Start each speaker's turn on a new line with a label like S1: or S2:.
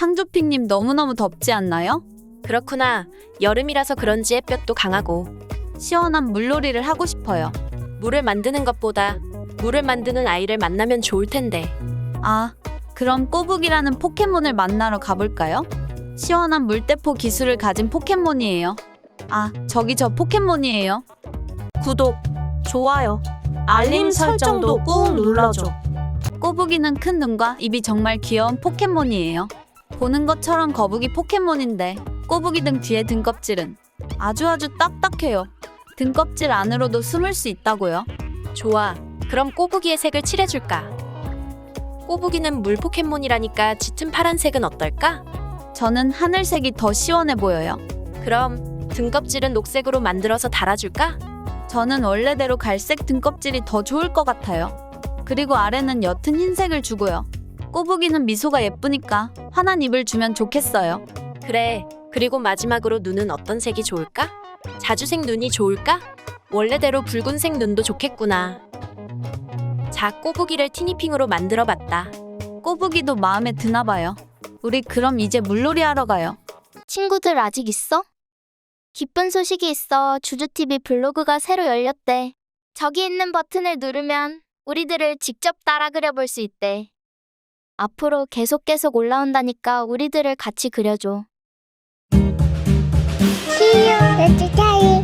S1: 상조핑님 너무너무 덥지 않나요?
S2: 그렇구나. 여름이라서 그런지 햇볕도 강하고.
S1: 시원한 물놀이를 하고 싶어요.
S2: 물을 만드는 것보다 물을 만드는 아이를 만나면 좋을 텐데.
S1: 아, 그럼 꼬북이라는 포켓몬을 만나러 가볼까요? 시원한 물대포 기술을 가진 포켓몬이에요. 아, 저기 저 포켓몬이에요.
S3: 구독, 좋아요, 알림 설정도 꾹 눌러줘.
S1: 꼬북이는 큰 눈과 입이 정말 귀여운 포켓몬이에요. 보는 것처럼 거북이 포켓몬인데 꼬북이 등 뒤에 등껍질은 아주 딱딱해요. 등껍질 안으로도 숨을 수 있다고요.
S2: 좋아. 그럼 꼬부기의 색을 칠해줄까? 꼬부기는 물 포켓몬이라니까 짙은 파란색은 어떨까?
S1: 저는 하늘색이 더 시원해 보여요.
S2: 그럼 등껍질은 녹색으로 만들어서 달아줄까?
S1: 저는 원래대로 갈색 등껍질이 더 좋을 것 같아요. 그리고 아래는 옅은 흰색을 주고요. 꼬부기는 미소가 예쁘니까 환한 입을 주면 좋겠어요.
S2: 그래. 그리고 마지막으로 눈은 어떤 색이 좋을까? 자주색 눈이 좋을까? 원래대로 붉은색 눈도 좋겠구나. 자, 꼬부기를 티니핑으로 만들어봤다.
S1: 꼬부기도 마음에 드나 봐요. 우리 그럼 이제 물놀이 하러 가요.
S4: 친구들 아직 있어? 기쁜 소식이 있어. 주주TV 블로그가 새로 열렸대. 저기 있는 버튼을 누르면 우리들을 직접 따라 그려볼 수 있대. 앞으로 계속 올라온다니까 우리들을 같이 그려줘.
S5: See you next time.